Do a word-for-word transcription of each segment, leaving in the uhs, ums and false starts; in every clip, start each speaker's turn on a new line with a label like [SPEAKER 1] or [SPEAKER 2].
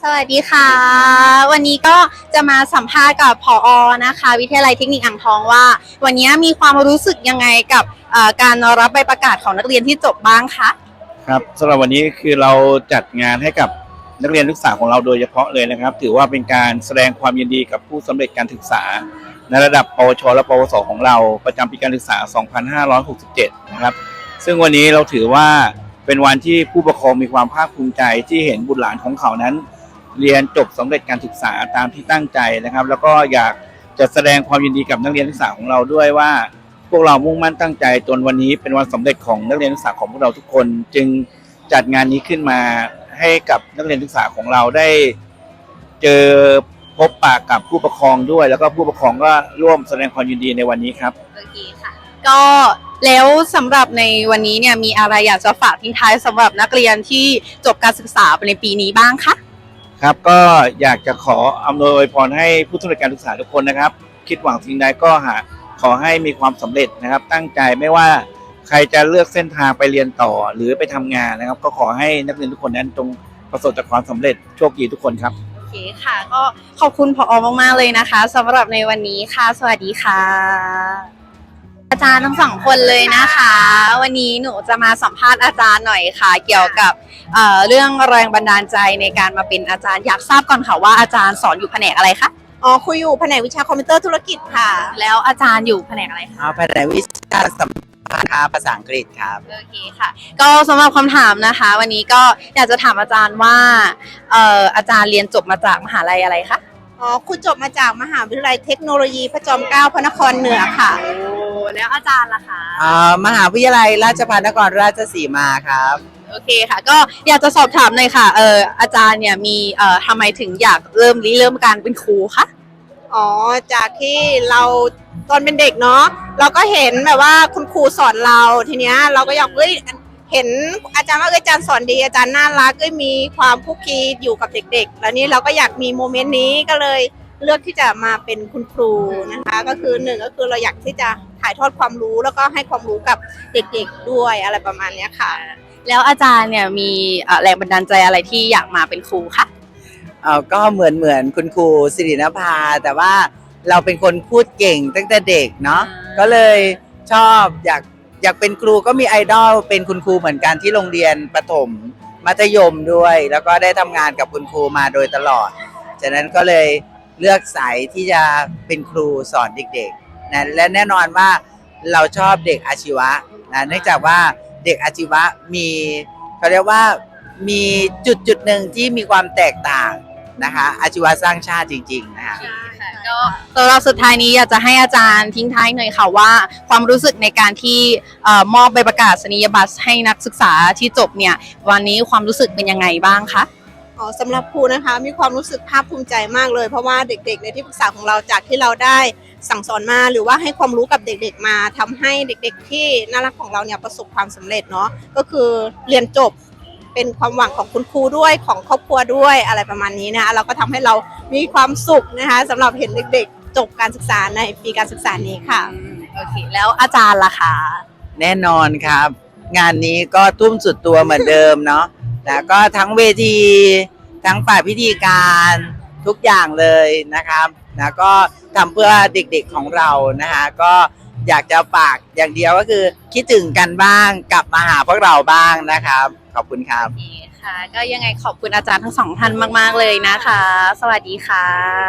[SPEAKER 1] วัสดีค่ะวันนี้ก็จะมาสัมภาษณ์กับผอ.นะคะวิทยาลัยเทคนิคอ่างทองว่าวันนี้มีความรู้สึกยังไงกับการรับใบประกาศของนักเรียนที่จบบ้างคะ
[SPEAKER 2] ครับสำหรับวันนี้คือเราจัดงานให้กับนักเรียนนักศึกษาของเราโดยเฉพาะเลยนะครับถือว่าเป็นการแสดงความยินดีกับผู้สำเร็จการศึกษาในระดับปวชและปวสของเราประจำปีการศึกษา สองพันห้าร้อยหกสิบเจ็ด นะครับซึ่งวันนี้เราถือว่าเป็นวันที่ผู้ปกครองมีความภาคภูมิใจที่เห็นบุตรหลานของเขานั้นเรียนจบสำเร็จการศึกษาตามที่ตั้งใจนะครับแล้วก็อยากจะแสดงความยินดีกับนักเรียนนักศึกษาของเราด้วยว่าพวกเรามุ่งมั่นตั้งใจจนวันนี้เป็นวันสำเร็จของนักเรียนนักศึกษาของพวกเราทุกคนจึงจัดงานนี้ขึ้นมาให้กับนักเรียนนักศึกษาของเราได้เจอพบปะกับผู้ปกครองด้วยแล้วก็ผู้ปกครองก็ร่วมแสดงความยินดีในวันนี้ครับ
[SPEAKER 1] โอเคค่ะก็แล้วสำหรับในวันนี้เนี่ยมีอะไรอยากจะฝากทิ้งท้ายสำหรับนักเรียนที่จบการศึกษาในปีนี้บ้างคะ
[SPEAKER 2] ครับก็อยากจะขออำนวยอวยพรให้ผู้สำเร็จการศึกษาทุกคนนะครับคิดหวังสิ่งใดก็หาขอให้มีความสำเร็จนะครับตั้งใจไม่ว่าใครจะเลือกเส้นทางไปเรียนต่อหรือไปทำงานนะครับก็ขอให้นักเรียนทุกคนนั้นจงประสบแต่ความสำเร็จโชคดีทุกคนครับ
[SPEAKER 1] โอเคค่ะก็ขอบคุณผอ.มากๆเลยนะคะสำหรับในวันนี้ค่ะสวัสดีค่ะอาจารย์ทั้งสองคนเลยนะคะวันนี้หนูจะมาสัมภาษณ์อาจารย์หน่อยค่ะเกี่ยวกับ เอ่อ เรื่องแรงบันดาลใจในการมาเป็นอาจารย์อยากทราบก่อนค่ะว่าอาจารย์สอนอยู่แผนกอะไรคะ
[SPEAKER 3] อ๋อคุยอยู่แผนกวิชาคอมพิวเตอร์ธุรกิจค่ะ
[SPEAKER 1] แล้วอาจารย์อยู่แผนกอะไรคะ
[SPEAKER 4] อ๋อแผนกวิชาสัมพันธ์ภาษาอังกฤษครับ
[SPEAKER 1] โอเคค่ะก็สำหรับคำถามนะคะวันนี้ก็อยากจะถามอาจารย์ว่าเอ่ออาจารย์เรียนจบมาจากมหาลัยอะไรคะ
[SPEAKER 3] อ๋อคุณจบมาจากมหาวิทยาลัยเทคโนโลยีพระจอมเกล้าพระนครเหนือค่ะ
[SPEAKER 1] โอ้แล้วอาจารย์ล่ะคะ
[SPEAKER 4] อ๋อมหาวิทยาลัยราชภัฏนครราชสีมาครับ
[SPEAKER 1] โอเคค่ะก็อยากจะสอบถามหน่อยค่ะเอออาจารย์เนี่ยมีเอ่อทำไมถึงอยากเริ่มริเริ่มการเป็นครูคะ
[SPEAKER 3] อ๋อจากที่เราตอนเป็นเด็กเนาะเราก็เห็นแบบว่าคุณครูสอนเราทีเนี้ยเราก็อยากเอ้ยเห็นอาจารย์ว่าอาจารย์สอนดีอาจารย์น่ารักก็มีความคุกคีอยู่กับเด็กๆแล้วนี้เราก็อยากมีโมเมนต์นี้ก็เลยเลือกที่จะมาเป็นคุณครูนะคะก็คือหนึ่งก็คือเราอยากที่จะถ่ายทอดความรู้แล้วก็ให้ความรู้กับเด็กๆด้วยอะไรประมาณนี้ค่ะ
[SPEAKER 1] แล้วอาจารย์เนี่ยมีแรงบันดาลใจอะไรที่อยากมาเป็นครูคะ
[SPEAKER 4] เออก็เหมือนเหมือนคุณครูสิรินภาแต่ว่าเราเป็นคนพูดเก่งตั้งแต่เด็กเนาะก็เลยชอบอยากอยากเป็นครูก็มีไอดอลเป็นคุณครูเหมือนกันที่โรงเรียนประถมมัธยมด้วยแล้วก็ได้ทำงานกับคุณครูมาโดยตลอดจากนั้นก็เลยเลือกสายที่จะเป็นครูสอนเด็กๆนะและแน่นอนว่าเราชอบเด็กอาชีวะนะเนื่องจากว่าเด็กอาชีวะมีเขาเรียกว่ามีจุดจุดหนึ่งที่มีความแตกต่างนะคะอาชีวะสร้างชาติจริงๆนะคะ
[SPEAKER 1] ก็สำหรับสุดท้ายนี้อยากจะให้อาจารย์ทิ้งท้ายหน่อยค่ะว่าความรู้สึกในการที่มอบใบประกาศนียบัตรให้นักศึกษาที่จบเนี่ยวันนี้ความรู้สึกเป็นยังไงบ้างคะ
[SPEAKER 3] อ๋อสำหรับครูนะคะมีความรู้สึกภาคภูมิใจมากเลยเพราะว่าเด็กๆในที่ปรึกษาของเราจากที่เราได้สั่งสอนมาหรือว่าให้ความรู้กับเด็กๆมาทำให้เด็กๆที่น่ารักของเราเนี่ยประสบความสำเร็จเนาะก็คือเรียนจบเป็นความหวังของคุณครูด้วยของครอบครัวด้วยอะไรประมาณนี้นะคะเราก็ทำให้เรามีความสุขนะคะสำหรับเห็นเด็กๆจบการศึกษาในปีการศึกษานี้ค่ะ
[SPEAKER 1] โอเคแล้วอาจารย์ล่ะคะ
[SPEAKER 4] แน่นอนครับงานนี้ก็ทุ่มสุดตัวเหมือนเดิมเนาะแล้วก็ทั้งเวทีทั้งฝ่ายพิธีการทุกอย่างเลยนะครับแล้วก็ทำเพื่อเด็กๆของเรานะคะก็อยากจะฝากอย่างเดียวก็คือคิดถึงกันบ้างกลับมาหาพวกเราบ้างนะครับขอบคุณครับ
[SPEAKER 1] ค่ะก็ยังไงขอบคุณอาจารย์ทั้งสองท่านมากๆเลยนะคะสวัสดีค่ะ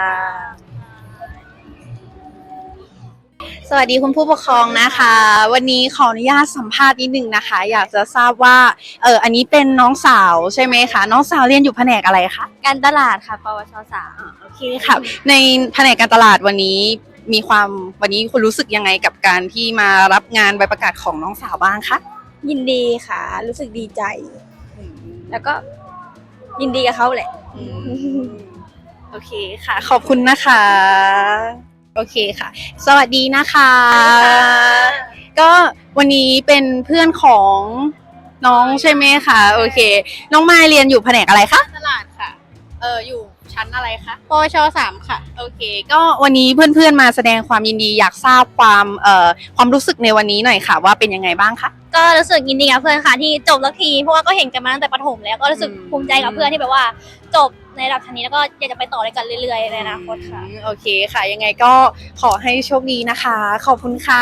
[SPEAKER 1] สวัสดีคุณผู้ปกครองนะคะวันนี้ขออนุญาตสัมภาษณ์นิดนึงนะคะอยากจะทราบว่าเอออันนี้เป็นน้องสาวใช่ไหมคะน้องสาวเรียนอยู่แผนกอะไรคะ
[SPEAKER 5] การตลาดค่ะปวชสาม
[SPEAKER 1] โอเคค่ะในแผนกการตลาดวันนี้มีความวันนี้คุณรู้สึกยังไงกับการที่มารับงานใบประกาศของน้องสาวบ้างคะ
[SPEAKER 5] ยินดีค่ะรู้สึกดีใจแล้วก็ยินดีกับเขาแหละ
[SPEAKER 1] โอเคค่ะขอบคุณนะคะโอเคค่ะสวัสดีนะคะก็วันนี้เป็นเพื่อนของน้องใช่ไหมคะโอเคน้องมายเรียนอยู่แผนกอะไรคะ
[SPEAKER 5] ตลาดค่ะ
[SPEAKER 1] เอออยู่ชั้นอะไรคะ
[SPEAKER 5] ปวชสามค่ะ
[SPEAKER 1] โอเคก็วันนี้เพื่อนๆมาแสดงความยินดีอยากทราบความเอ่อความรู้สึกในวันนี้หน่อยค่ะว่าเป็นยังไงบ้างคะ
[SPEAKER 5] ก
[SPEAKER 6] ก็รู้สึกยินดีกับเพื่อนค่ะที่จบแล้วทีเพราะว่าก็เห็นกันมาตั้งแต่ประถมแล้วก็รู้สึกภูมิใจกับเพื่อนที่แบบว่าจบในระดับชั้นนี้แล้วก็อยากจะไปต่อด้วยกันเรื่อยๆในอนาคตค่ะ
[SPEAKER 1] อืมโอเคค่ะ ยังไงก็ขอให้โชคดีนะคะ ขอบคุณค่ะ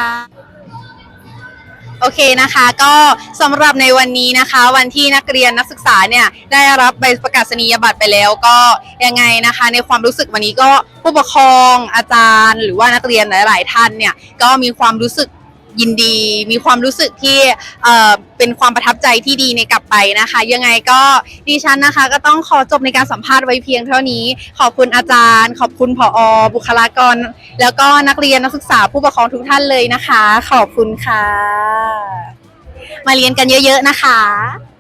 [SPEAKER 1] โอเคนะคะ ก็สำหรับในวันนี้นะคะ วันที่นักเรียนนักศึกษาเนี่ยได้รับใบประกาศนียบัตรไปแล้วก็ยังไงนะคะ ในความรู้สึกวันนี้ก็ผู้ปกครองอาจารย์ หรือว่านักเรียนหลาย ๆ ท่านเนี่ยก็มีความรู้สึกยินดี มีความรู้สึกที่เอ่อเป็นความประทับใจที่ดีในกลับไปนะคะ ยังไงก็ดิฉันนะคะ ก็ต้องขอจบในการสัมภาษณ์ไว้เพียงเท่านี้ ขอบคุณอาจารย์ ขอบคุณผอ บุคลากร แล้วก็นักเรียนนักศึกษาผู้ปกครองทุกท่านเลยนะคะ ขอบคุณค่ะ มาเรียนกันเยอะๆนะคะ